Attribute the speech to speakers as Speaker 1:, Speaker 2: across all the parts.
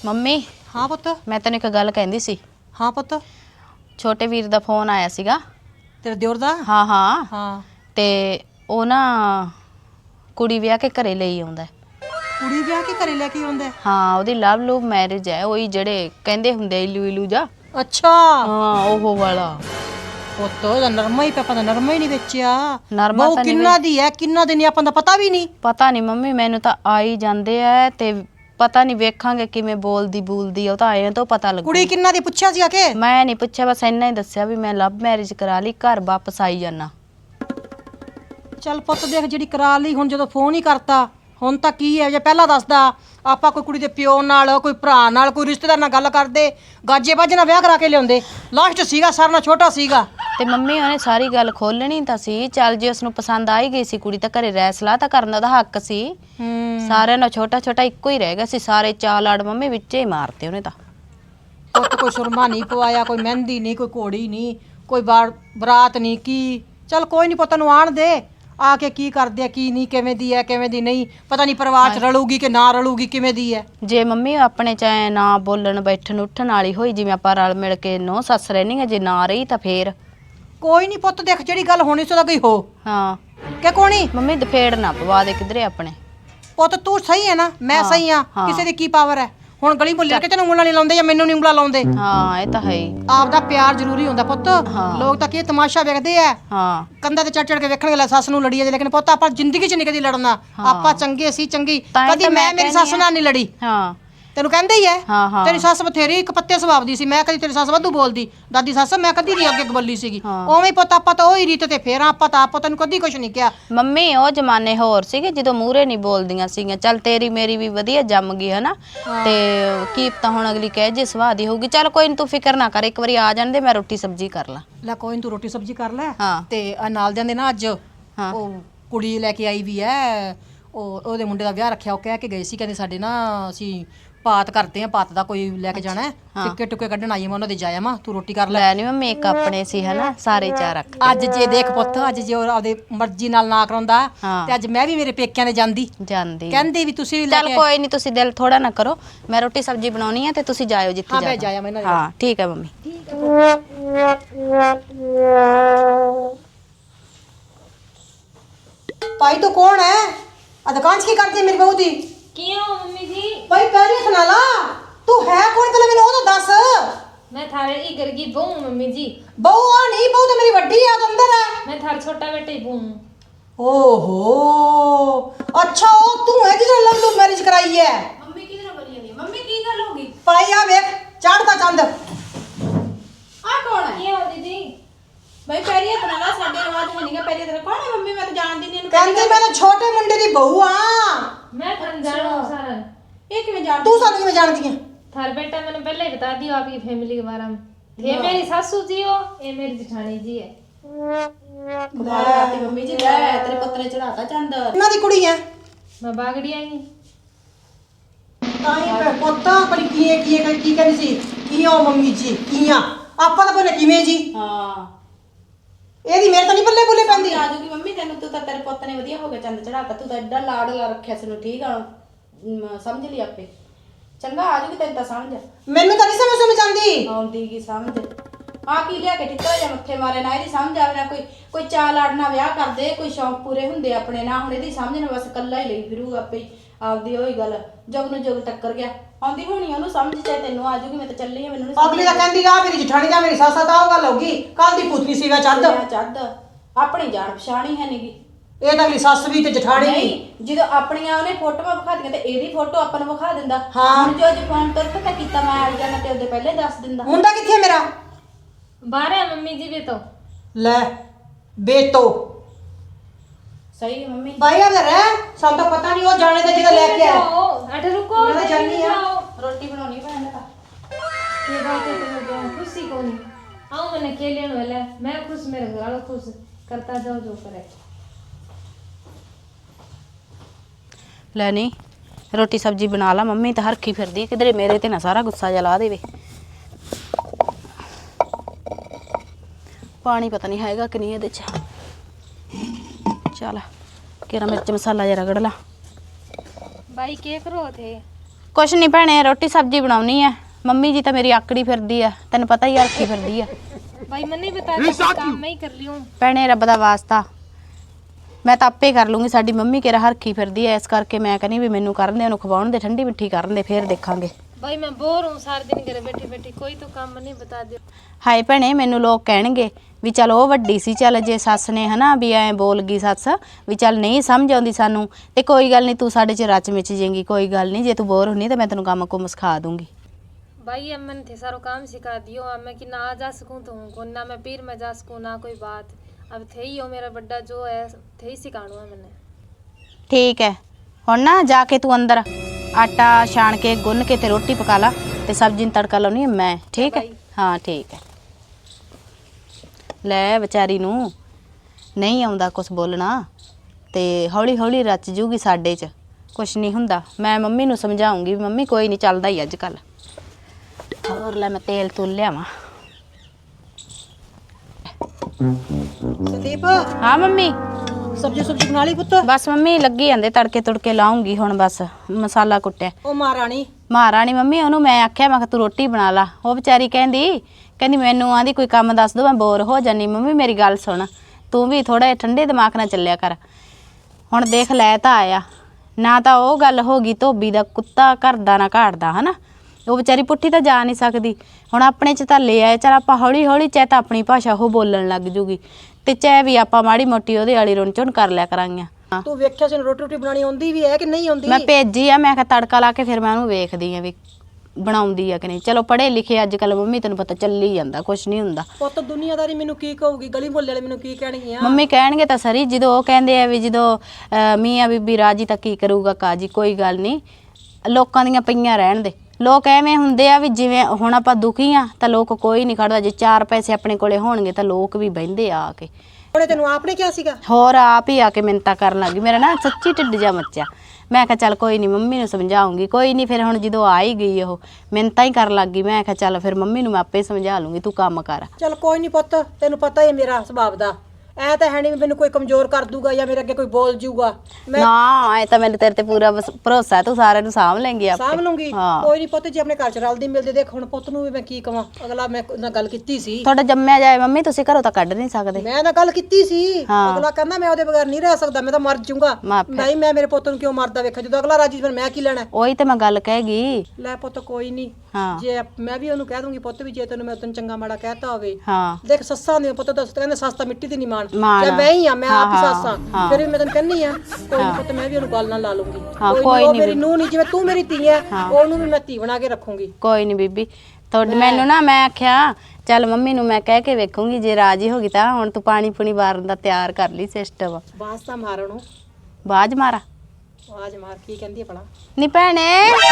Speaker 1: Mummy
Speaker 2: ਹਾਂ ਪੁੱਤ।
Speaker 1: ਮੈਂ ਤੈਨੂੰ ਇੱਕ ਗੱਲ ਕਹਿੰਦੀ ਸੀ।
Speaker 2: ਹਾਂ ਪੁੱਤ।
Speaker 1: ਛੋਟੇ ਵੀਰ ਦਾ ਫੋਨ ਆਇਆ ਸੀਗਾ।
Speaker 2: ਤੇਰੇ ਦਿਓਰ ਦਾ?
Speaker 1: ਹਾਂ ਹਾਂ
Speaker 2: ਹਾਂ।
Speaker 1: ਤੇ ਉਹ ਨਾ ਕੁੜੀ ਵਿਆਹ ਕੇ ਘਰੇ ਲਈ ਆਉਂਦਾ।
Speaker 2: ਕੁੜੀ ਵਿਆਹ ਕੇ ਘਰੇ ਲੈ ਕੇ ਆਉਂਦਾ?
Speaker 1: ਹਾਂ, ਉਹਦੀ ਲਵ ਮੈਰਿਜ ਹੈ। ਉਹੀ ਜਿਹੜੇ ਕਹਿੰਦੇ ਹੁੰਦੇ ਇਲੂ ਇਲੂ ਜਾ।
Speaker 2: ਅੱਛਾ।
Speaker 1: ਹਾਂ, ਉਹ ਵਾਲਾ
Speaker 2: ਪੁੱਤ ਉਹਦਾ ਨਰਮਾ ਹੀ ਪਤਾ ਨਰਮਾ ਹੀ ਨਹੀਂ ਵੇਚਿਆ।
Speaker 1: ਨਰਮਾ ਤਾਂ
Speaker 2: ਕਿੰਨਾ ਦੀ ਹੈ ਕਿੰਨਾ ਦੀ ਨਹੀਂ ਆਪਾਂ ਦਾ ਪਤਾ ਵੀ ਨਹੀਂ।
Speaker 1: ਪਤਾ ਨਹੀਂ ਮੰਮੀ, ਮੈਨੂੰ ਤਾਂ ਆਈ ਜਾਂਦੇ ਆ ਤੇ ਪਤਾ ਨਹੀਂ, ਵੇਖਾਂਗੇ ਕਿਵੇਂ ਬੋਲਦੀ ਉਹ ਤਾਂ ਆਏ ਤੋਂ ਪਤਾ ਲੱਗੂ।
Speaker 2: ਕੁੜੀ ਕਿੰਨਾ ਦੀ ਪੁੱਛਿਆ ਸੀ ਆ ਕੇ?
Speaker 1: ਮੈਂ ਨਹੀਂ ਪੁੱਛਿਆ, ਬਸ ਇੰਨਾ ਹੀ ਦੱਸਿਆ ਵੀ ਮੈਂ ਲਵ ਮੈਰਿਜ ਕਰਾ ਲਈ, ਘਰ ਵਾਪਸ ਆਈ ਜਾਣਾ।
Speaker 2: ਚੱਲ ਪੁੱਤ ਦੇਖ, ਜਿਹੜੀ ਕਰਾ ਲਈ ਹੁਣ ਜਦੋਂ ਫੋਨ ਹੀ ਕਰਤਾ ਹੁਣ ਤਾਂ ਕੀ ਹੈ, ਜੇ ਪਹਿਲਾਂ ਦੱਸਦਾ ਆਪਾਂ ਕੋਈ ਕੁੜੀ ਦੇ ਪਿਓ ਨਾਲ ਕੋਈ ਭਰਾ ਨਾਲ ਕੋਈ ਰਿਸ਼ਤੇਦਾਰ ਨਾਲ ਗੱਲ ਕਰਦੇ, ਗਾਜੇ ਬਾਜੇ ਨਾਲ ਵਿਆਹ ਕਰਾ ਕੇ ਲਿਆਉਂਦੇ। ਲਾਸਟ ਸੀਗਾ ਸਾਰਿਆਂ ਨਾਲ ਛੋਟਾ ਸੀਗਾ।
Speaker 1: ਤੇ ਮੰਮੀ ਉਹਨੇ ਸਾਰੀ ਗੱਲ ਖੋਲਣੀ ਤਾਂ ਸੀ। ਚੱਲ ਜੇ ਉਸਨੂੰ ਪਸੰਦ ਆਈ ਗਈ ਸੀ ਕੁੜੀ ਤਾਂ ਘਰੇ ਰਹਿ ਸਲਾਹ ਤਾਂ ਕਰਨ ਦਾ ਉਹਦਾ ਹੱਕ ਸੀ। ਸਾਰਿਆਂ ਨਾਲ ਛੋਟਾ ਛੋਟਾ ਇੱਕੋ ਹੀ ਰਹਿ ਗਿਆ ਸੀ। ਸਾਰੇ ਚਾਲ ਆੜ ਮੰਮੀ ਵਿੱਚੇ ਹੀ ਮਾਰਤੇ ਉਹਨੇ ਤਾਂ।
Speaker 2: ਪੁੱਤ ਕੋਈ ਸੁਰਮਾ ਨਹੀਂ ਪਵਾਇਆ, ਕੋਈ ਮਹਿੰਦੀ ਨਹੀਂ, ਕੋਈ ਘੋੜੀ ਨਹੀਂ, ਕੋਈ ਬਰਾਤ ਨਹੀਂ। ਕੀ ਚੱਲ ਕੋਈ ਨਹੀਂ, ਪੁੱਤ ਨੂੰ ਆਣ ਦੇ, ਆ ਕੇ ਕੀ ਕਰਦੇ ਆ ਕੀ ਨਹੀਂ, ਕਿਵੇਂ ਦੀ ਹੈ ਕਿਵੇਂ ਦੀ ਨਹੀਂ, ਪਤਾ ਨਹੀਂ ਪਰਿਵਾਰ ਚ ਰਲੂਗੀ ਕਿ ਨਾ ਰਲੂਗੀ, ਕਿਵੇਂ ਦੀ ਹੈ।
Speaker 1: ਜੇ ਮੰਮੀ ਆਪਣੇ ਚਾਹੇ ਨਾ ਬੋਲਣ ਬੈਠਣ ਉੱਠਣ ਵਾਲੀ ਹੋਈ, ਜਿਵੇਂ ਆਪਾਂ ਰਲ ਮਿਲ ਕੇ ਨੋ ਸੱਸ ਰਹਿਣੀ, ਜੇ ਨਾ ਰਹੀ ਤਾਂ ਫੇਰ
Speaker 2: ਕੋਈ ਨਹੀਂ ਪੁੱਤ, ਦੇਖ ਜਿਹੜੀ ਗੱਲ ਹੋਣੀ ਸੀ ਉਹਦਾ ਕੋਈ ਹੋ।
Speaker 1: ਹਾਂ
Speaker 2: ਕਿ ਕੋਣੀ
Speaker 1: ਮੰਮੀ ਦਫੇੜ ਨਾ ਪਵਾ ਦੇ ਕਿਧਰੇ ਆਪਣੇ।
Speaker 2: ਪੁੱਤ ਤੂੰ ਸਹੀ ਹੈ ਨਾ, ਮੈਂ ਸਹੀ ਆ, ਕਿਸੇ ਦੀ ਕੀ ਪਾਵਰ ਹੈ। ਹੁਣ ਗਲੀ ਮੁਹੱਲੇ ਕਿ ਤੈਨੂੰ ਉਂਗਲਾਂ ਨਹੀਂ ਲਾਉਂਦੇ ਜਾਂ ਮੈਨੂੰ ਨਹੀਂ ਉਂਗਲਾਂ ਲਾਉਂਦੇ।
Speaker 1: ਹਾਂ ਇਹ ਤਾਂ ਹੈ ਹੀ।
Speaker 2: ਆਪਦਾ ਪਿਆਰ ਜ਼ਰੂਰੀ ਹੁੰਦਾ ਪੁੱਤ। ਲੋਕ ਤਾਂ ਕੀ ਤਮਾਸ਼ਾ ਵੇਖਦੇ ਆ,
Speaker 1: ਹਾਂ
Speaker 2: ਕੰਧਾਂ ਤੇ ਚੜ ਕੇ ਵੇਖਣਗੇ ਲੈ ਸੱਸ ਨੂੰ ਲੜੀ ਹੈ, ਲੇਕਿਨ ਪੁੱਤ ਆਪਾਂ ਜ਼ਿੰਦਗੀ 'ਚ ਨਹੀਂ ਕਦੀ ਲੜਨਾ। ਆਪਾਂ ਚੰਗੇ ਸੀ ਚੰਗੀ, ਕਦੀ ਮੈਂ ਮੇਰੀ ਸੱਸ ਨਾਲ ਨਹੀਂ ਲੜੀ।
Speaker 1: ਹਾਂ
Speaker 2: ਤੈਨੂੰ ਕਹਿੰਦੇ ਹੀ ਐ
Speaker 1: ਹਾਂ
Speaker 2: ਤੇਰੀ ਸੱਸ ਬਥੇਰੀ ਇੱਕ ਪੱਤੇ ਸੁਭਾਅ ਦੀ ਸੀ। ਮੈਂ ਕਦੀ ਤੇਰੀ ਸੱਸ ਵਾਧੂ ਬੋਲਦੀ, ਦਾਦੀ ਸੱਸ ਮੈਂ ਕਦੀ ਨਹੀਂ ਅੱਗੇ ਬੋਲੀ ਸੀਗੀ। ਉਵੇਂ ਪੁੱਤ ਆਪਾਂ ਤਾਂ ਉਹੀ ਰੀਤ ਤੇ ਫੇਰ ਆਪਾਂ ਤਾਂ ਆਪੋ ਤੈਨੂੰ ਕਦੀ ਕੁਛ ਨਹੀਂ ਕਿਹਾ।
Speaker 1: ਮੰਮੀ ਉਹ ਜ਼ਮਾਨੇ ਹੋਰ ਸੀਗੇ ਜਦੋਂ ਮੂਹਰੇ ਨਹੀਂ ਬੋਲਦੀਆਂ ਸੀਗੀਆਂ। ਚੱਲ ਤੇਰੀ ਮੇਰੀ ਵੀ ਵਧੀਆ ਜੰਮ ਗਈ ਹਨਾ। ਤੇ ਕੀ ਪਤਾ ਹੁਣ ਅਗਲੀ ਕਹੇ ਜੇ ਸੁਭਾਅ ਦੀ ਹੋਊਗੀ। ਚੱਲ ਕੋਈ ਨੀ, ਤੂੰ ਫਿਕਰ ਨਾ ਕਰ, ਇੱਕ ਵਾਰੀ ਆ ਜਾਣ ਦੇ, ਮੈਂ ਰੋਟੀ ਸਬਜ਼ੀ ਕਰ ਲਾਂ।
Speaker 2: ਲੈ ਕੋਈ ਨੀ, ਤੂੰ ਰੋਟੀ ਸਬਜ਼ੀ ਕਰ ਲੈ।
Speaker 1: ਹਾਂ
Speaker 2: ਤੇ ਆ ਨਾਲ ਜਾਂਦੇ ਨਾ ਅੱਜ ਉਹ ਕੁੜੀ ਲੈ ਕੇ ਆਈ ਵੀ ਐ, ਉਹਦੇ ਮੁੰਡੇ ਦਾ ਵਿਆਹ ਰੱਖਿਆ। ਉਹ ਕਹਿ ਕੇ ਗਏ ਸੀ, ਕਹਿੰਦੇ ਸਾਡੇ ਨਾ ਅਸੀਂ ਪਾਤ ਕਰਦੇ ਆ, ਪਾਤ ਦਾ ਕੋਈ ਲੈ ਕੇ ਜਾਣਾ, ਟਿੱਕੇ ਟੁੱਕੇ ਕੱਢਣ ਆਈ ਮੈਂ ਉਹਨਾਂ ਦੇ ਜਾਇਆ ਮਾ। ਤੂੰ ਰੋਟੀ ਕਰ ਲੈ।
Speaker 1: ਨਹੀਂ ਮੰਮੀ, ਇੱਕ ਆਪਣੇ ਸੀ ਹਨਾ, ਸਾਰੇ ਚਾਰ ਰੱਖ।
Speaker 2: ਅੱਜ ਜੇ ਦੇਖ ਪੁੱਤ, ਅੱਜ ਜੇ ਉਹ ਆਪਦੇ ਮਰਜ਼ੀ ਨਾਲ ਨਾ ਕਰਾਉਂਦਾ ਤੇ ਅੱਜ ਮੈਂ ਵੀ ਮੇਰੇ ਪੇਕਿਆਂ ਦੇ ਜਾਂਦੀ ਕਹਿੰਦੀ ਵੀ ਤੁਸੀਂ ਵੀ ਲੈ ਕੇ।
Speaker 1: ਚੱਲ ਕੋਈ ਨਹੀਂ, ਤੁਸੀਂ ਦਿਲ ਥੋੜਾ ਨਾ ਕਰੋ, ਮੈਂ ਰੋਟੀ ਸਬਜ਼ੀ ਬਣਾਉਣੀ ਹੈ ਤੇ ਤੁਸੀਂ ਜਾਇਓ ਜਿੱਥੇ ਜਾਣਾ।
Speaker 2: ਹਾਂ ਮੈਂ ਜਾਇਆ ਮੈਂ ਇਹਨਾਂ ਦੇ।
Speaker 1: ਹਾਂ ਠੀਕ ਹੈ ਮੰਮੀ।
Speaker 2: ਭਾਈ ਤੂੰ ਕੌਣ ਹੈ? ਆ ਦੁਕਾਨ 'ਚ ਕੀ ਕਰਦੀ ਹੈ ਮੇਰੀ ਬਹੂ ਦੀ?
Speaker 3: ਕਿਉਂ ਮੰਮੀ जी?
Speaker 2: भाई पहले सुना ला, तू है कौन? पहले मैंने वो तो दस।
Speaker 3: मैं थारे ही घर की बहू हूं मम्मी जी।
Speaker 2: बहू आ नहीं, बहू तो मेरी बड्डी है, तो अंदर है।
Speaker 3: मैं थारा छोटा बेटा ही बहू हूं।
Speaker 2: ओहो अच्छा, ओ तू है जिसने लव मैरिज कराई है?
Speaker 1: मम्मी किधर बनी है? मम्मी की गल होगी?
Speaker 2: भाई आ देख चढ़ता चंद।
Speaker 1: आ कौन है?
Speaker 3: ये हो दीदी
Speaker 1: भाई पैरिया तो ना साडे रिवाज है नहीं, पैरिया तेरा कौन है? मम्मी मैं तो जानदी नहीं।
Speaker 2: कहंदी मैं तो छोटे मुंडे दी बहू हां।
Speaker 3: मैं थान जानू सारा।
Speaker 1: ये किवें जान?
Speaker 2: तू सानू किवें जानदी है?
Speaker 3: थार बेटा मैंने पहले ही बता दिया आपकी फैमिली के बारे में। ये मेरी सासू जी हो, ये मेरी जेठानी जी है।
Speaker 1: कमाल करती मम्मी जी, ले तेरे पुत्र ने चढ़ाता चंद।
Speaker 2: ना दी कुड़ी है
Speaker 3: मैं बागड़ी आई
Speaker 2: ताई पे पोता पर की कहनी सी कियो मम्मी जी किया आपा तो बोले किवें जी।
Speaker 1: हां
Speaker 2: ਇਹਦੀ ਮੇਰੇ ਤਾਂ ਨਹੀਂ ਬੱਲੇ ਬੁੱਲੇ ਪੈਂਦੀ।
Speaker 1: ਆ ਜੂਗੀ ਮੰਮੀ, ਤੈਨੂੰ ਤੂੰ ਤਾਂ ਤੇਰੇ ਪੁੱਤ ਨੇ ਵਧੀਆ ਹੋ ਗਿਆ ਚੰਦ ਚੜਾਤਾ। ਤੂੰ ਤਾਂ ਐਡਾ ਲਾਡਲਾ ਰੱਖਿਆ ਸੀ ਨੂੰ, ਠੀਕ ਆ ਸਮਝ ਲਈ ਆਪੇ। ਚੰਗਾ ਆ ਜੂਗੀ ਤੈਨੂੰ ਤਾਂ ਸਮਝ।
Speaker 2: ਮੈਨੂੰ ਤਾਂ ਨਹੀਂ ਸਮਝ ਆਉਂਦੀ।
Speaker 1: ਆਉਂਦੀ ਕੀ ਸਮਝ? ਆ ਕੀ ਲਿਆ ਕੇ ਠਿੱਕਾ ਜਾਂ ਮੱਥੇ ਮਾਰੇ ਨਾ, ਇਹਦੀ ਸਮਝ ਆਵੇ ਨਾ। ਕੋਈ ਚਾਲ ਆੜਨਾ ਵਿਆਹ ਕਰਦੇ, ਕੋਈ ਸ਼ੌਂਕ ਪੂਰੇ ਹੁੰਦੇ ਆਪਣੇ ਨਾ। ਹੁਣ ਇਹਦੀ ਸਮਝ ਨਾ, ਬਸ ਕੱਲਾ ਹੀ ਲਈ ਫਿਰੂਗਾ ਆਪੇ ਹੀ ਆਪਦੀ। ਉਹੀ ਗੱਲ ਜਗ ਨੂੰ ਜਗ ਟੱਕਰ ਗਿਆ। ਆਉਂਦੀ ਹੋਣੀ ਉਹਨੂੰ ਸਮਝ, ਚਾਹੇ ਤੈਨੂੰ ਆ ਜੂਗੀ। ਮੈਂ ਤਾਂ ਚੱਲੀ ਆ, ਮੈਨੂੰ ਨਹੀਂ
Speaker 2: ਅਗਲੀ ਤਾਂ ਕਹਿੰਦੀ ਆ ਮੇਰੀ ਜਠਾਣੀ ਜਾਂ ਮੇਰੀ ਸੱਸ ਤਾਂ ਉਹ ਗੱਲ ਹੋਗੀ। ਕੱਲ ਦੀ ਪੁੱਤਰੀ ਸੀਗਾ ਚੱਦ
Speaker 1: ਚੱਦ ਆਪਣੀ ਜਾਣ ਪਛਾਣੀ ਹੈ ਨੀਗੀ।
Speaker 2: ਇਹ ਤਾਂ ਅਗਲੀ ਸੱਸ ਵੀ ਤੇ ਜਠਾਣੀ ਵੀ।
Speaker 1: ਨਹੀਂ ਜਦੋਂ ਆਪਣੀਆਂ ਉਹਨੇ ਫੋਟੋਆਂ ਵਿਖਾਤੀਆਂ ਤੇ ਇਹਦੀ ਫੋਟੋ ਆਪਾਂ ਨੂੰ ਵਿਖਾ ਦਿੰਦਾ।
Speaker 2: ਹਾਂ।
Speaker 1: ਹੁਣ ਜੋ ਫੋਨ ਤੋਂ ਪਤਾ ਕੀਤਾ ਮੈਂ ਆ ਜਾਣਾ ਤੇ ਉਹਦੇ ਪਹਿਲੇ ਦੱਸ ਦਿੰਦਾ।
Speaker 2: ਮੁੰਡਾ ਕਿੱਥੇ ਮੇਰਾ?
Speaker 3: बाहर है मम्मी जी भी तो।
Speaker 2: ਲੈ ਬੇਤੋ
Speaker 1: ਸਹੀ ਹੈ ਮੰਮੀ।
Speaker 2: ਭਾਈ ਆ ਰਹਿ, ਸਾਨੂੰ ਤਾਂ ਪਤਾ ਨਹੀਂ ਉਹ ਜਾਣੇ ਦਾ ਜਿਹੜਾ ਲੈ ਕੇ ਆਇਆ।
Speaker 3: अरे रुको,
Speaker 2: मैं तो जानी है।
Speaker 1: ਰੋਟੀ ਬਣਾਉਣੀ ਪੈਣਾ ਤਾਂ।
Speaker 3: ये बात है तुम्हें खुशी को नहीं आओ मैंने के लेने वाला है। मैं खुश, मेरे घर वाला खुश, करता जाओ जो करे।
Speaker 1: ਲੈ ਨਹੀਂ ਰੋਟੀ ਸਬਜ਼ੀ ਬਣਾ ਲਾ। ਮੰਮੀ ਤਾਂ ਹਰਖੀ ਫਿਰਦੀ ਕਿਧਰੇ ਮੇਰੇ ਤੇ ਨਾ ਸਾਰਾ ਗੁੱਸਾ ਜਲਾ ਦੇਵੇ। ਪਾਣੀ ਪਤਾ ਨਹੀਂ ਹੈਗਾ ਕਿ ਨਹੀਂ ਇਹਦੇ ਚ। ਚੱਲ ਕਿਹੜਾ ਮਿਰਚ ਮਸਾਲਾ ਜਰਾ ਰਗੜ ਲਾ।
Speaker 3: भाई क्या करो थे?
Speaker 1: ਕੁਛ ਨਹੀਂ ਭੈਣੇ, ਰੋਟੀ ਸਬਜ਼ੀ ਬਣਾਉਣੀ ਆ। ਮੰਮੀ ਜੀ ਤਾਂ ਮੇਰੀ ਆਕੜੀ ਫਿਰਦੀ ਆ, ਤੈਨੂੰ ਪਤਾ ਹੀ ਆ ਆਕੜੀ ਫਿਰਦੀ ਆ।
Speaker 3: भाई मैं नहीं बता रही काम मैं ही कर ली हूँ।
Speaker 1: ਭੈਣੇ ਰੱਬ ਦਾ ਵਾਸਤਾ ਮੈਂ ਤਾਂ ਆਪੇ ਕਰ ਲੂੰਗੀ। ਸਾਡੀ ਮੰਮੀ ਕਿਹੜਾ ਹਰਖੀ ਫਿਰਦੀ ਐ, ਇਸ ਕਰਕੇ ਮੈਂ ਕਹਿੰਦੀ ਵੀ ਮੈਨੂੰ ਕਰਨ ਦੇ, ਉਹਨੂੰ ਖਵਾਉਣ ਦੇ, ਠੰਡੀ ਮਿੱਠੀ ਕਰਨ ਦੇ, ਫੇਰ ਦੇਖਾਂਗੇ।
Speaker 3: भाई मैं बोर हूँ सारे दिन घर बैठी बैठी, कोई तो काम नहीं बता दे।
Speaker 1: ਹਾਏ ਭੈਣੇ ਮੈਨੂੰ ਲੋਕ ਕਹਿਣਗੇ ਵੀ ਚੱਲ ਉਹ ਵੱਡੀ ਸੀ, ਚੱਲ ਜੇ ਸੱਸ ਨੇ ਹਨਾ ਵੀ ਐ ਬੋਲ ਗਈ ਸੱਸ ਵੀ ਚੱਲ ਨਹੀਂ ਸਮਝ ਆਉਂਦੀ ਸਾਨੂੰ, ਤੇ ਕੋਈ ਗੱਲ ਨਹੀਂ ਤੂੰ ਸਾਡੇ ਚ ਰਚ ਮਿਚ ਜਾਏਂਗੀ, ਕੋਈ ਗੱਲ ਨਹੀਂ। ਜੇ ਤੂੰ ਬੋਰ ਹੁੰਨੀ ਤਾਂ ਮੈਂ ਤੈਨੂੰ ਕੰਮ ਕੁਮ ਸਿਖਾ ਦੂੰਗੀ।
Speaker 3: भाई अब मैंने थे सारो काम सिखा दियो, अब मैं कि ना आ जा सकूँ तो हूँ ना मैं पीर में जा सकूँ ना कोई बात। अब थे ही हो मेरा बड्डा जो है, थे ही सिखाना है मैंने।
Speaker 1: ਠੀਕ ਹੈ, ਹੁਣ ਨਾ ਜਾ ਕੇ ਤੂੰ ਅੰਦਰ ਆਟਾ ਛਾਣ ਕੇ ਗੁੰਨ ਕੇ ਤੇ ਰੋਟੀ ਪਕਾ ਲਾ, ਤੇ ਸਬਜ਼ੀ ਨੂੰ ਤੜਕਾ ਲਾਉਣੀ ਹੈ ਮੈਂ। ਠੀਕ ਹੈ? ਹਾਂ ਠੀਕ ਹੈ। ਲੈ ਵਿਚਾਰੀ ਨੂੰ ਨਹੀਂ ਆਉਂਦਾ ਕੁਛ ਬੋਲਣਾ, ਤੇ ਹੌਲੀ ਹੌਲੀ ਰਚ ਜੂਗੀ ਸਾਡੇ 'ਚ, ਕੁਛ ਨਹੀਂ ਹੁੰਦਾ। ਮੈਂ ਮੰਮੀ ਨੂੰ ਸਮਝਾਉਂਗੀ ਵੀ ਮੰਮੀ ਕੋਈ ਨਹੀਂ, ਚੱਲਦਾ ਹੀ ਅੱਜ ਕੱਲ੍ਹ। ਹੋਰ ਲੈ ਮੈਂ ਤੇਲ ਤੂਲ ਲਿਆਵਾਂ।
Speaker 2: ਸੰਦੀਪ
Speaker 1: ਹਾਂ ਮੰਮੀ,
Speaker 2: ਸਬਜ਼ੀ ਸੁਬਜ਼ੀ ਬਣਾ ਲਈ ਪੁੱਤ?
Speaker 1: ਬਸ ਮੰਮੀ ਲੱਗੀ ਜਾਂਦੇ, ਤੜਕੇ ਤੁੜਕੇ ਲਾਉਂਗੀ ਹੁਣ, ਬਸ ਮਸਾਲਾ ਕੁੱਟਿਆ।
Speaker 2: ਉਹ ਮਹਾਰਾਣੀ
Speaker 1: ਮਹਾਰਾਣੀ ਮੰਮੀ ਉਹਨੂੰ ਮੈਂ ਆਖਿਆ, ਮੈਂ ਕਿਹਾ ਤੂੰ ਰੋਟੀ ਬਣਾ ਲਾ। ਉਹ ਵਿਚਾਰੀ ਕਹਿੰਦੀ ਮੈਨੂੰ ਆਂਦੀ ਕੋਈ ਕੰਮ ਦੱਸ ਦੋ, ਮੈਂ ਬੋਰ ਹੋ ਜਾਨੀ। ਮੰਮੀ ਮੇਰੀ ਗੱਲ ਸੁਣ, ਤੂੰ ਵੀ ਥੋੜਾ ਜਿਹਾ ਠੰਡੇ ਦਿਮਾਗ ਨਾਲ ਚੱਲਿਆ ਕਰ। ਹੁਣ ਦੇਖ ਲੈ ਤਾਂ ਆਇਆ ਨਾ, ਤਾਂ ਉਹ ਗੱਲ ਹੋ ਗਈ ਧੋਬੀ ਦਾ ਕੁੱਤਾ ਘਰ ਦਾ ਨਾ ਘਾੜਦਾ, ਹਨਾ। ਉਹ ਵਿਚਾਰੀ ਪੁੱਠੀ ਤਾਂ ਜਾ ਨਹੀਂ ਸਕਦੀ। ਹੁਣ ਆਪਣੇ 'ਚ ਤਾਂ ਲੈ ਆਏ, ਚੱਲ ਆਪਾਂ ਹੌਲੀ ਹੌਲੀ ਚਾਹੇ ਤਾਂ ਆਪਣੀ ਭਾਸ਼ਾ ਉਹ ਬੋਲਣ ਲੱਗ ਜੂਗੀ, ਤੇ ਚਾਹੇ ਵੀ ਆਪਾਂ ਮਾੜੀ ਮੋਟੀ ਉਹਦੇ ਵਾਲੀ ਰੁਣ ਚੁਣ ਕਰ ਲਿਆ ਕਰਾਂਗੀਆਂ।
Speaker 2: ਤੂੰ ਵੇਖਿਆ ਸੀ ਰੋਟੀ ਰੋਟੀ ਬਣਾਣੀ ਆਉਂਦੀ ਵੀ ਹੈ ਕਿ ਨਹੀਂ ਆਉਂਦੀ?
Speaker 1: ਮੈਂ ਭੇਜੀ ਆ, ਮੈਂ ਕਿਹਾ ਤੜਕਾ ਲਾ ਕੇ ਫਿਰ ਮੈਂ ਉਹਨੂੰ ਵੇਖਦੀ ਆ ਵੀ ਬਣਾਉਂਦੀ ਆ ਕਿ ਨਹੀਂ। ਚਲੋ ਪੜ੍ਹੇ ਲਿਖੇ ਅੱਜ ਕੱਲ੍ਹ ਮੰਮੀ, ਤੈਨੂੰ ਪਤਾ ਚੱਲੀ ਜਾਂਦਾ, ਕੁਛ ਨਹੀਂ ਹੁੰਦਾ।
Speaker 2: ਪੁੱਤ ਦੁਨੀਆਦਾਰੀ ਮੈਨੂੰ ਕੀ ਕਹੂਗੀ, ਗਲੀ ਮੁਹੱਲੇ ਵਾਲੇ ਮੈਨੂੰ ਕੀ ਕਹਿਣਗੀਆਂ?
Speaker 1: ਮੰਮੀ ਕਹਿਣਗੇ ਤਾਂ ਸਰੀ, ਜਦੋਂ ਉਹ ਕਹਿੰਦੇ ਆ ਵੀ ਜਦੋਂ ਮੀਆਂ ਬੀਬੀ ਰਾਜੀ ਤਾਂ ਕੀ ਕਰੂਗਾ ਕਾਜੀ। ਕੋਈ ਗੱਲ ਨਹੀਂ, ਲੋਕਾਂ ਦੀਆਂ ਪਈਆਂ ਰਹਿਣ ਦੇ। ਲੋਕ ਐਵੇਂ ਹੁੰਦੇ ਆ ਵੀ ਜਿਵੇਂ ਹੁਣ ਆਪਾਂ ਦੁਖੀ ਆ ਤਾਂ ਲੋਕ ਕੋਈ ਨਹੀਂ ਖੜਦਾ, ਜੇ 4 ਪੈਸੇ ਆਪਣੇ ਕੋਲੇ ਹੋਣਗੇ ਤਾਂ ਲੋਕ ਵੀ ਬਹਿੰਦੇ ਆ ਕੇ।
Speaker 2: ਉਹਨੇ ਤੈਨੂੰ ਆਪਨੇ ਕਿਹਾ ਸੀਗਾ?
Speaker 1: ਹੋਰ ਆਪ ਹੀ ਆ ਕੇ ਮਿੰਤਾ ਕਰਨ ਲੱਗੀ। ਮੇਰਾ ਨਾ ਸੱਚੀ ਢਿੱਡ ਜਾ ਮੱਚਿਆ। ਮੈਂ ਕਿਹਾ ਚੱਲ ਕੋਈ ਨਹੀਂ ਮੰਮੀ ਨੂੰ ਸਮਝਾਉਂਗੀ, ਕੋਈ ਨਹੀਂ। ਫਿਰ ਹੁਣ ਜਦੋਂ ਆ ਹੀ ਗਈ ਉਹ ਮਿੰਤਾ ਹੀ ਕਰਨ ਲੱਗ ਗਈ, ਮੈਂ ਕਿਹਾ ਚੱਲ ਫਿਰ ਮੰਮੀ ਨੂੰ ਮੈਂ ਆਪੇ ਸਮਝਾ ਲੂੰਗੀ, ਤੂੰ ਕੰਮ ਕਰ।
Speaker 2: ਚੱਲ ਕੋਈ ਨਹੀਂ ਪੁੱਤ, ਤੈਨੂੰ ਪਤਾ ਹੀ ਹੈ ਮੇਰਾ ਸੁਭਾਅ ਦਾ। ਐ ਤਾਂ ਹੈ ਨਹੀਂ ਵੀ ਮੈਨੂੰ ਕੋਈ ਕਮਜ਼ੋਰ ਕਰ ਦੂਗਾ ਜਾਂ ਮੇਰੇ ਅੱਗੇ ਕੋਈ ਬੋਲ ਜੂਗਾ। ਮੈਂ
Speaker 1: ਨਾ ਐ ਤਾਂ ਮੈਨੂੰ ਤੇਰੇ ਤੇ ਪੂਰਾ ਭਰੋਸਾ, ਤੂੰ ਸਾਰਿਆਂ ਨੂੰ ਸਾਂਭ ਲੈਂਗੀ ਆਪੇ।
Speaker 2: ਸਾਂਭ ਲੂੰਗੀ,
Speaker 1: ਹਾਂ।
Speaker 2: ਕੋਈ ਨਹੀਂ ਪੁੱਤ, ਜੇ ਆਪਣੇ ਘਰ ਚ ਰਲਦੀ ਮਿਲਦੀ। ਦੇਖ ਹੁਣ ਪੁੱਤ ਨੂੰ ਵੀ ਮੈਂ ਕੀ ਕਵਾਂ, ਅਗਲਾ ਮੈਂ ਨਾਲ ਗੱਲ ਕੀਤੀ ਸੀ।
Speaker 1: ਤੁਹਾਡਾ ਜੰਮਿਆ ਜਾਏ ਮੰਮੀ, ਤੁਸੀਂ ਘਰੋਂ ਤਾਂ ਕੱਢ ਨਹੀਂ ਸਕਦੇ।
Speaker 2: ਮੈਂ ਨਾਲ ਗੱਲ ਕੀਤੀ ਸੀ,
Speaker 1: ਹਾਂ।
Speaker 2: ਅਗਲਾ ਕਹਿੰਦਾ ਮੈਂ ਉਹਦੇ ਬਗੈਰ ਨਹੀਂ ਰਹਿ ਸਕਦਾ, ਮੈਂ ਤਾਂ ਮਰ ਜਾਊਂਗਾ। ਨਹੀਂ ਮੈਂ ਮੇਰੇ ਪੁੱਤ ਨੂੰ ਕਿਉਂ ਮਰਦਾ ਵੇਖਾਂ, ਜਦੋਂ ਅਗਲਾ ਰਾਜੀ ਫਿਰ ਮੈਂ ਕੀ ਲੈਣਾ?
Speaker 1: ਉਹੀ ਤੇ ਮੈਂ ਗੱਲ ਕਹਿਗੀ।
Speaker 2: ਲੈ ਪੁੱਤ ਕੋਈ ਨਹੀਂ,
Speaker 1: ਹਾਂ
Speaker 2: ਜੇ ਮੈਂ ਵੀ ਉਹਨੂੰ ਕਹਿ ਦੂੰਗੀ ਪੁੱਤ ਵੀ ਜੇ ਤੈਨੂੰ ਮੈਂ ਤੈਨੂੰ ਚੰਗਾ ਮਾੜਾ ਕਹਿਤਾ ਹੋਵੇ।
Speaker 1: ਹਾਂ
Speaker 2: ਦੇਖ ਸੱਸਾਂ ਦੇ ਪੁੱਤ ਦੱਸ, ਕਹਿੰਦੇ ਸੱਸ ਤਾਂ ਮਿੱਟੀ ਦੀ ਨਹੀਂ ਮਾਣ,
Speaker 1: ਮਾਣ
Speaker 2: ਜਾਂ ਮੈਂ ਹੀ ਆ, ਮੈਂ ਆਪ ਹੀ
Speaker 1: ਹਾਂ,
Speaker 2: ਸੱਸ ਆ।
Speaker 1: ਹਾਂ।
Speaker 2: ਫਿਰ ਵੀ ਮੈਂ ਤੈਨੂੰ ਕਹਿੰਨੀ ਆ ਕੋਈ ਨਹੀਂ ਪੁੱਤ, ਮੈਂ ਵੀ ਉਹਨੂੰ ਗੱਲ ਨਾਲ ਲਾ ਲੂੰਗੀ।
Speaker 1: ਹਾਂ,
Speaker 2: ਕੋਈ
Speaker 1: ਕੋਈ
Speaker 2: ਨੀ, ਉਹ
Speaker 1: ਨੀ
Speaker 2: ਮੇਰੀ ਨੂੰਹ ਨਹੀਂ, ਜਿਵੇਂ ਤੂੰ ਮੇਰੀ ਧੀ ਹੈ ਉਹਨੂੰ ਵੀ ਮੈਂ ਧੀ ਬਣਾ ਕੇ ਰੱਖੂੰਗੀ।
Speaker 1: ਕੋਈ ਨਹੀਂ ਬੀਬੀ, ਤੁਹਾਡੇ ਮੈਨੂੰ ਨਾ ਮੈਂ ਆਖਿਆ ਚੱਲ ਮੰਮੀ ਨੂੰ ਮੈਂ ਕਹਿ ਕੇ ਵੇਖੂੰਗੀ, ਜੇ ਰਾਜੀ ਹੋ ਗਈ ਤਾਂ ਹੁਣ ਤੂੰ ਪਾਣੀ ਪੂਣੀ ਵਾਰਨ ਦਾ ਤਿਆਰ ਕਰ ਲਈ ਸਿਸਟਮ।
Speaker 2: ਬਾਸ ਤਾਂ ਮਾਰਨ ਨੂੰ
Speaker 1: ਬਾਜ ਮਾਰਾ,
Speaker 2: ਆਵਾਜ਼ ਮਾਰ, ਕੀ ਕਹਿੰਦੀ ਹੈ ਭਲਾ?
Speaker 1: ਨੀ ਭੈਣੇ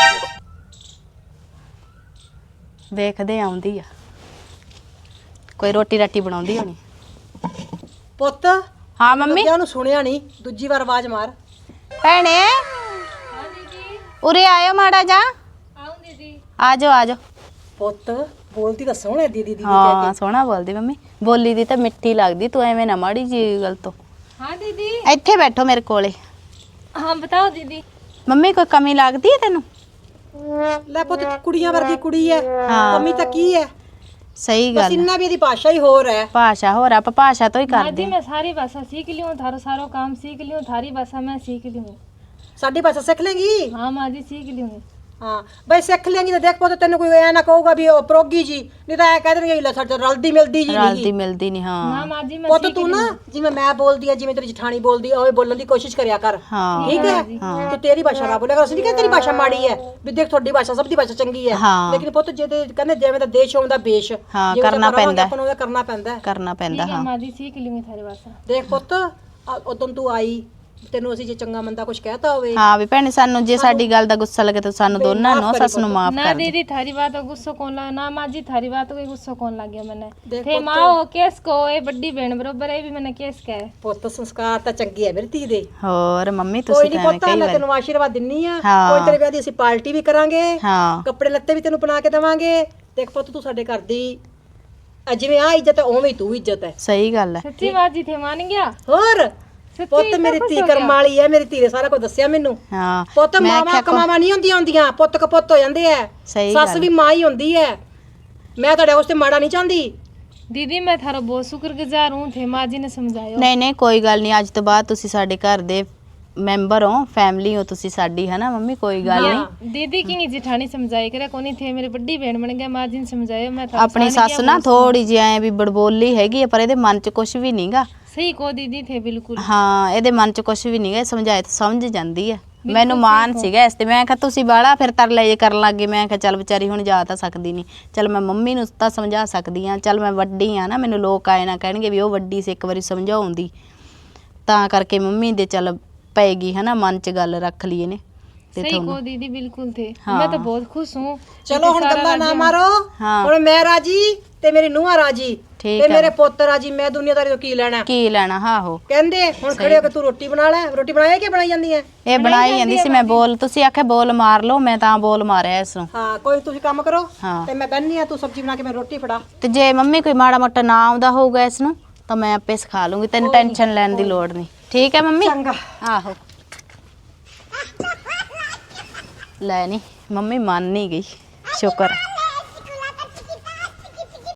Speaker 1: ਵੇਖਦੇ ਆਉਂਦੀ ਆ, ਕੋਈ ਰੋਟੀ ਰਾਟੀ ਬਣਾਉਂਦੀ ਹੋਣੀ।
Speaker 2: ਪੁੱਤ
Speaker 1: ਹਾਂ ਮੰਮੀ।
Speaker 2: ਲੱਗਿਆ ਉਹਨੂੰ ਸੁਣਿਆ ਨਹੀਂ, ਦੂਜੀ ਵਾਰ ਆਵਾਜ਼ ਮਾਰ।
Speaker 1: ਭੈਣੇ ਉਰੇ ਆਇਓ ਮਾੜਾ ਜਾ।
Speaker 3: आऊँ दीदी।
Speaker 1: ਆਜੋ ਆਜੋ।
Speaker 2: ਪੁੱਤ ਬੋਲਦੀ ਤਾਂ ਸੋਹਣੇ ਦੀਦੀ ਦੀਦੀ ਕਹਿ
Speaker 1: ਹਾਂ ਸੋਹਣਾ ਬੋਲਦੀ ਮੰਮੀ, ਬੋਲੀ ਦੀ ਤਾਂ ਮਿੱਠੀ ਲੱਗਦੀ। ਤੂੰ ਐਵੇਂ ਨਾ ਮਾੜੀ ਜੀ ਗੱਲ ਤੋਂ।
Speaker 3: हाँ दीदी।
Speaker 1: ਇੱਥੇ ਬੈਠੋ ਮੇਰੇ ਕੋਲੇ।
Speaker 3: हाँ बताओ दीदी।
Speaker 1: ਮੰਮੀ ਕੋਈ ਕਮੀ ਲੱਗਦੀ ਹੈ ਤੈਨੂੰ?
Speaker 2: ਕੇ। ਲੈ ਪੁੱਤ ਕੁੜੀਆਂ ਵਰਗੀ ਕੁੜੀ ਹੈ, ਕਮੀ ਤਾਂ ਕੀ ਹੈ?
Speaker 1: ਸਹੀ
Speaker 2: ਬਸ
Speaker 1: ਗੱਲ।
Speaker 2: ਇੰਨਾ ਵੀ ਇਹਦੀ ਭਾਸ਼ਾ ਹੀ ਹੋਰ ਹੈ।
Speaker 1: ਭਾਸ਼ਾ ਹੋਰ, ਆਪਾਂ ਭਾਸ਼ਾ ਤੋਂ ਹੀ
Speaker 3: हाँ
Speaker 1: ਕਰਦੇ
Speaker 3: जी मैं सारी भाषा सीख ली हूँ, थारो सारो काम सीख ली हूँ, थारी भाषा मैं सीख ली हूँ।
Speaker 2: ਸਾਡੀ ਭਾਸ਼ਾ ਸਿੱਖ ਲੇਗੀ?
Speaker 3: हाँ माँ जी सीख ली हूँ।
Speaker 2: ਹਾਂ ਬਈ ਸਿੱਖ ਲੇਗੀ ਤਾਂ ਦੇਖ ਪੁੱਤ ਤੈਨੂੰ ਕੋਈ ਐ ਨਾ ਕਹੂਗਾ ਵੀ ਉਹ ਪ੍ਰੋਗੀ ਜੀ, ਨਹੀਂ ਤਾਂ ਐ ਕਹਿ ਦੇਣਗੇ ਲੈ ਸਾਡੇ ਰਲਦੀ ਮਿਲਦੀ ਜੀ
Speaker 1: ਰਲਦੀ
Speaker 2: ਨਹੀਂ।
Speaker 1: ਮਿਲਦੀ ਨਹੀਂ।
Speaker 3: ना
Speaker 1: ਹਾਂ
Speaker 3: माँ जी मैं
Speaker 2: ਪੁੱਤ
Speaker 3: सीख
Speaker 2: ਤੂੰ
Speaker 3: ली
Speaker 2: ਨਾ
Speaker 3: हूँ।
Speaker 2: ਜਿਵੇਂ ਮੈਂ ਬੋਲਦੀ ਆ, ਜਿਵੇਂ ਤੇਰੀ ਜਠਾਣੀ ਬੋਲਦੀ ਆ, ਉਵੇਂ ਬੋਲਣ ਦੀ ਕੋਸ਼ਿਸ਼ ਕਰਿਆ ਕਰ।
Speaker 1: ਹਾਂ
Speaker 2: ਠੀਕ ਹੈ? ਤੇ ਤੇਰੀ ਭਾਸ਼ਾ ਨਾ ਬੋਲਿਆ ਕਰ। ਅਸੀਂ ਨਹੀਂ ਕਹਿੰਦੇ ਤੇਰੀ ਭਾਸ਼ਾ ਮਾੜੀ ਹੈ, ਵੀ ਦੇਖ ਤੁਹਾਡੀ ਭਾਸ਼ਾ ਸਭ ਦੀ ਭਾਸ਼ਾ ਚੰਗੀ ਹੈ।
Speaker 1: ਹਾਂ।
Speaker 2: ਲੇਕਿਨ ਪੁੱਤ ਜੇ ਤੇ ਕਹਿੰਦੇ ਜਿਵੇਂ ਦਾ ਦੇਸ਼ ਹੋਉਂਦਾ ਬੇਸ਼,
Speaker 1: ਹਾਂ,
Speaker 2: ਜਿਵੇਂ
Speaker 1: ਕਰਨਾ
Speaker 2: ਆਪਾਂ ਰਵਾਂਗੇ,
Speaker 1: ਪੈਂਦਾ।
Speaker 2: ਆਪਾਂ ਨੂੰ ਉਹਦਾ ਕਰਨਾ ਪੈਂਦਾ।
Speaker 1: ਕਰਨਾ ਪੈਂਦਾ।
Speaker 3: ठीक है
Speaker 1: ਹਾਂ
Speaker 3: माँ जी सीख ली हूँ थारी भाषा।
Speaker 2: ਦੇਖ ਪੁੱਤ ਉਦੋਂ ਤੂੰ ਆਈ, ਤੈਨੂੰ ਅਸੀਂ ਜੇ ਚੰਗਾ ਮੰਦਾ ਕੁਝ ਕਹਿਤਾ ਹੋਵੇ,
Speaker 1: ਹਾਂ ਵੀ ਭੈਣੇ ਸਾਨੂੰ ਜੇ ਸਾਡੀ ਗੱਲ ਦਾ ਗੁੱਸਾ ਲੱਗੇ ਤਾਂ ਸਾਨੂੰ ਦੋਨਾਂ ਨੂੰ ਸੱਸ ਨੂੰ ਮਾਫ
Speaker 3: ना
Speaker 1: ਕਰ ਦੇ।
Speaker 3: दीदी थारी बात को गुस्सा कौन लगा, ना माँ जी थारी बात को गुस्सा कौन लग गया मैंने।
Speaker 2: देख
Speaker 3: थे
Speaker 2: पुत्त।
Speaker 3: माँ हो केस को ये बड़ी बहन बरोबर है भी मैंने केस कहा है।
Speaker 2: ਪੁੱਤ ਸੰਸਕਾਰ ਤਾਂ ਚੰਗੇ ਹੈ ਮੇਰੀ ਧੀ ਦੇ।
Speaker 1: ਹੋਰ ਮੰਮੀ
Speaker 2: ਕੋਈ
Speaker 1: ਤੁਸੀਂ
Speaker 2: ਨਹੀਂ
Speaker 1: ਤਾਂ ਐਵੇਂ
Speaker 2: ਪੁੱਤ,
Speaker 1: ਕਈ
Speaker 2: ਮੈਂ
Speaker 1: ਵਾਰ।
Speaker 2: ਤੈਨੂੰ ਆਸ਼ੀਰਵਾਦ ਦਿੰਨੀ ਆ।
Speaker 1: ਹਾਂ।
Speaker 2: ਕੋਈ ਤੇਰੇ ਵਿਆਹ ਦੀ ਅਸੀਂ ਪਾਰਟੀ ਵੀ ਕਰਾਂਗੇ,
Speaker 1: ਹਾਂ
Speaker 2: ਕੱਪੜੇ ਲੱਤੇ ਵੀ ਤੈਨੂੰ ਬਣਾ ਕੇ ਦੇਵਾਂਗੇ। ਦੇਖ ਪੁੱਤ ਤੂੰ ਸਾਡੇ ਘਰ ਦੀ ਜਿਵੇਂ ਆ ਇੱਜ਼ਤ ਹੈ ਉਵੇਂ ਹੀ ਤੂੰ ਇੱਜ਼ਤ ਹੈ।
Speaker 1: ਸਹੀ ਗੱਲ ਹੈ।
Speaker 3: सच्ची माँ जी थे मान गया।
Speaker 2: ਹੋਰ ਪੁੱਤ ਮੇਰੀ ਧੀ ਕਰਮ ਵਾਲੀ ਹੈ, ਮੇਰੀ ਧੀ ਨੇ ਸਾਰਾ ਕੁਝ ਦੱਸਿਆ ਮੈਨੂੰ।
Speaker 4: ਹਾਂ
Speaker 2: ਪੁੱਤ ਮਾਵਾਂ ਕਮਾਵਾਂ ਨਹੀਂ ਹੁੰਦੀਆਂ ਪੁੱਤ ਕਪੁੱਤ ਹੋ ਜਾਂਦੇ ਐ। ਸੱਸ ਵੀ ਮਾਂ ਹੀ ਹੁੰਦੀ ਹੈ। ਮੈਂ ਤੁਹਾਡੇ ਵਾਸਤੇ ਮਾੜਾ ਨਹੀਂ ਚਾਹੁੰਦੀ।
Speaker 3: दीदी मैं थारा बहुत शुक्रगुजार हूँ थे माँ जी ने समझाया।
Speaker 4: ਨਹੀਂ ਕੋਈ ਗੱਲ ਨਹੀਂ, ਅੱਜ ਤੋਂ ਬਾਅਦ ਤੁਸੀਂ ਸਾਡੇ ਘਰ ਦੇ ਮੈਂਬਰ ਹੋ, ਫੈਮਿਲੀ ਹੋ ਤੁਸੀਂ ਸਾਡੀ, ਹੈ ਨਾ ਮੰਮੀ? ਕੋਈ ਗੱਲ ਨਹੀਂ।
Speaker 3: दीदी की जेठानी समझाई करे कोनी थे मेरे बड़ी बहन बन गया, माँ जी ने समझाया। मैं थारा
Speaker 4: ਆਪਣੀ ਸੱਸ ਨਾ ਥੋੜੀ ਜਿਹੀ ਐ ਵੀ ਬੜਬੋਲੀ ਹੈਗੀ ਹੈ, ਪਰ ਇਹਦੇ ਮਨ 'ਚ ਕੁਝ ਵੀ ਨਹੀਂਗਾ।
Speaker 3: सही को दीदी थे बिल्कुल।
Speaker 4: ਹਾਂ ਇਹਦੇ ਮਨ 'ਚ ਕੁਝ ਵੀ ਨਹੀਂਗਾ, ਸਮਝਾਏ ਤਾਂ ਸਮਝ ਜਾਂਦੀ ਹੈ। ਮੈਨੂੰ ਮਾਣ ਸੀਗਾ ਇਸ ਤੇ, ਮੈਂ ਕਿਹਾ ਤੁਸੀਂ ਬਾਹਲਾ ਫਿਰ ਤਰਲੇ ਜੇ ਕਰਨ ਲੱਗੇ। ਮੈਂ ਕਿਹਾ ਚੱਲ ਵਿਚਾਰੀ ਹੁਣ ਜਾ ਤਾਂ ਸਕਦੀ ਨਹੀਂ, ਚੱਲ ਮੈਂ ਮੰਮੀ ਨੂੰ ਤਾਂ ਸਮਝਾ ਸਕਦੀ ਹਾਂ, ਚੱਲ ਮੈਂ ਵੱਡੀ ਆ ਨਾ, ਮੈਨੂੰ ਲੋਕ ਆਏ ਨਾ ਕਹਿਣਗੇ ਵੀ ਉਹ ਵੱਡੀ ਸੀ, ਇੱਕ ਵਾਰੀ ਸਮਝਾਉਂਦੀ। ਤਾਂ ਕਰਕੇ ਮੰਮੀ ਦੇ ਚੱਲ ਪੈਗੀ, ਹੈ ਨਾ, ਮਨ 'ਚ ਗੱਲ ਰੱਖ ਲਈ ਇਹਨੇ।
Speaker 3: सही को दीदी बिल्कुल थे। मैं तो बहुत खुश हूँ।
Speaker 2: ਚਲੋ ਹੁਣ ਗੱਲਾਂ ਨਾ ਮਾਰੋ।
Speaker 4: ਹਾਂ
Speaker 2: ਹੁਣ ਮੈਂ ਰਾਜੀ ਤੇ ਮੇਰੀ ਨੂੰਹਾਂ ਰਾਜੀ
Speaker 4: ਠੀਕ
Speaker 2: ਤੇ ਮੇਰੇ ਪੁੱਤ ਰਾਜੀ। ਮੈਂ ਦੁਨੀਆਦਾਰੀ ਤੋਂ ਕੀ ਲੈਣਾ?
Speaker 4: ਕੀ ਲੈਣਾ? ਆਹੋ
Speaker 2: ਕਹਿੰਦੇ ਹੁਣ ਖੜੇ ਹੋ ਕੇ ਤੂੰ ਰੋਟੀ ਬਣਾ ਲੈ। ਰੋਟੀ ਬਣਾਏ ਕਿ ਬਣਾਈ ਜਾਂਦੀ ਹੈ?
Speaker 4: ਇਹ ਬਣਾਈ ਜਾਂਦੀ ਸੀ। ਮੈਂ ਬੋਲ, ਤੁਸੀਂ ਆਖਿਆ ਬੋਲ ਮਾਰ ਲਓ, ਮੈਂ ਤਾਂ ਬੋਲ ਮਾਰਿਆ ਇਸ ਨੂੰ।
Speaker 2: ਹਾਂ ਕੋਈ ਤੁਸੀਂ ਕੰਮ ਕਰੋ
Speaker 4: ਹਾਂ
Speaker 2: ਤੇ ਮੈਂ ਬੰਨੀ ਆ, ਤੂੰ ਸਬਜ਼ੀ ਬਣਾ ਕੇ ਮੈਂ ਰੋਟੀ ਫੜਾ।
Speaker 4: ਤੇ ਜੇ ਮੰਮੀ ਕੋਈ ਮਾੜਾ ਮੋਟਾ ਨਾ ਆਉਂਦਾ ਹੋਊਗਾ ਇਸ ਨੂੰ ਤਾਂ ਮੈਂ ਆਪੇ ਸਿਖਾ ਲੂੰਗੀ, ਤੈਨੂੰ ਟੈਨਸ਼ਨ ਲੈਣ ਦੀ ਲੋੜ ਨਹੀਂ। ਠੀਕ ਹੈ ਮੰਮੀ?
Speaker 2: ਚੰਗਾ।
Speaker 4: ਆਹੋ ਲੈ ਨਹੀਂ ਮੰਮੀ ਮੰਨ ਨਹੀਂ ਗਈ, ਸ਼ੁਕਰ।